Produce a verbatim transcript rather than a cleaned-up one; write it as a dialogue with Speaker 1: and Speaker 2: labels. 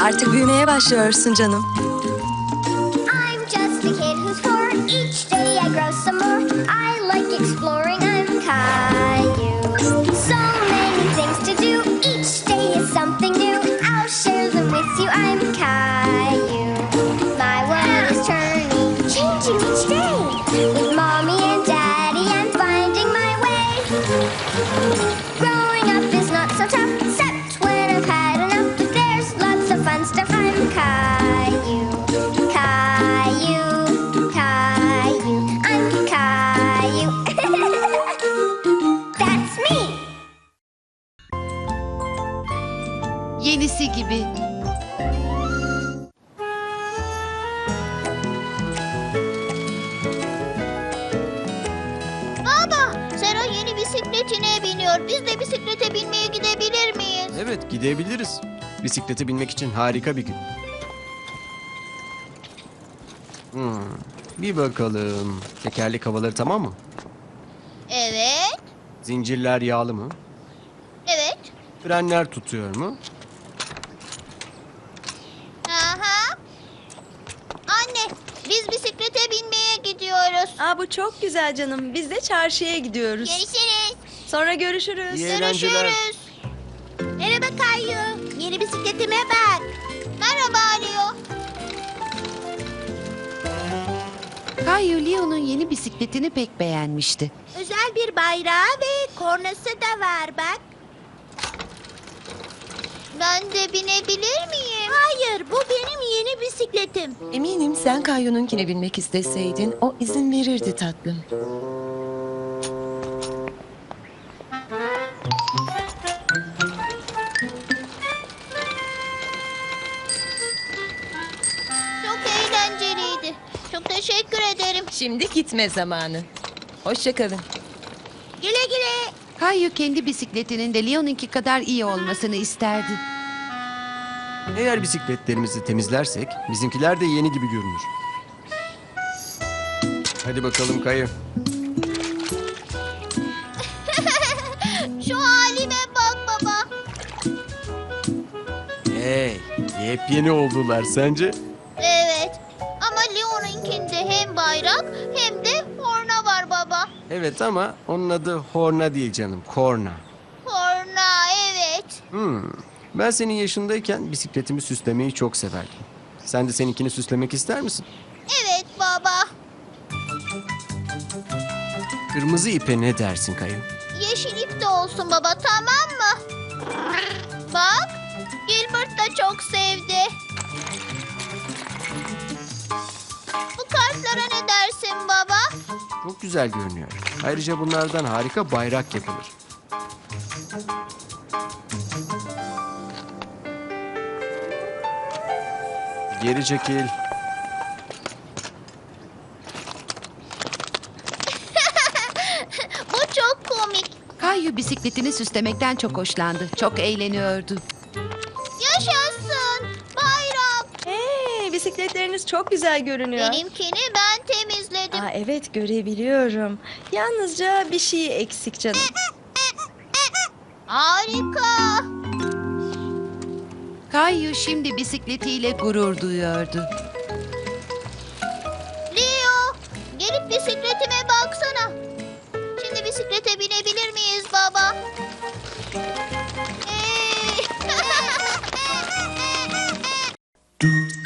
Speaker 1: Artık büyümeye başlıyorsun canım.
Speaker 2: I'm just a kid who's four. Each day I grow some more. I like exploring. I'm Caillou. So many things to do. Each day is something new. I'll share them with you. I'm Caillou. My world is turning, changing each day. With mommy and daddy, I'm finding my way. Growing up is not so tough, except when I've had enough. But there's lots of fun stuff. I'm Caillou. Caillou, Caillou, I'm Caillou. That's me.
Speaker 3: Yenisi gibi.
Speaker 2: Baba, Sera yeni bisikletine biniyor. Biz de bisiklete binmeye gidebilir miyiz?
Speaker 4: Evet, gidebiliriz. Bisiklete binmek için harika bir gün. Hmm, bir bakalım. Tekerlek havaları tamam mı?
Speaker 2: Evet,
Speaker 4: Zincirler yağlı mı?
Speaker 2: evet.
Speaker 4: Frenler tutuyor mu?
Speaker 2: Aha. Anne, biz bisiklete binmeye gidiyoruz.
Speaker 1: Aa, bu çok güzel canım. Biz de çarşıya gidiyoruz.
Speaker 2: Görüşürüz.
Speaker 1: Sonra görüşürüz.
Speaker 4: İyi eğlenceler.
Speaker 2: Görüşürüz. Merhaba Kayu. Yeni bisikletime bak. Merhaba Leo.
Speaker 3: Kayu Leo'nun yeni bisikletini pek beğenmişti.
Speaker 2: Özel bir bayrağı ve kornası da var bak. Ben de binebilir miyim? Hayır, bu benim yeni bisikletim.
Speaker 5: Eminim sen Kayu'nunkine binmek isteseydin o izin verirdi tatlım.
Speaker 2: Çok eğlenceliydi. Çok teşekkür ederim.
Speaker 5: Şimdi gitme zamanı. Hoşça kalın.
Speaker 2: Güle güle.
Speaker 3: Kayu kendi bisikletinin de Leo'nunki kadar iyi olmasını isterdi.
Speaker 4: Eğer bisikletlerimizi temizlersek bizimkiler de yeni gibi görünür. Hadi bakalım Kayı.
Speaker 2: Şu halime bak baba.
Speaker 4: Hey, yepyeni oldular sence?
Speaker 2: Evet. Ama Leo'nunkinde hem bayrak hem de korna var baba.
Speaker 4: Evet ama onun adı Horna değil canım, Korna.
Speaker 2: Korna, evet.
Speaker 4: Hmm. Ben senin yaşındayken bisikletimi süslemeyi çok severdim. Sen de seninkini süslemek ister misin?
Speaker 2: Evet baba.
Speaker 4: Kırmızı ipe ne dersin Kayı?
Speaker 2: Yeşil ip de olsun baba, tamam mı? Bak, Gilbert da çok sevdi. Bu kartlara ne dersin baba?
Speaker 4: Çok güzel görünüyor. Ayrıca bunlardan harika bayrak yapılır. Geri çekil.
Speaker 2: Bu çok komik.
Speaker 3: Kayu bisikletini süslemekten çok hoşlandı. Çok eğleniyordu.
Speaker 2: Yaşasın bayram.
Speaker 1: Hey, bisikletleriniz çok güzel görünüyor.
Speaker 2: Benimkini ben temizledim.
Speaker 1: Aa, evet, görebiliyorum. Yalnızca bir şey eksik canım.
Speaker 2: Harika.
Speaker 3: Kayu şimdi bisikletiyle gurur duyuyordu.
Speaker 2: Leo, gelip bisikletime baksana. Şimdi bisiklete binebilir miyiz baba? Hey.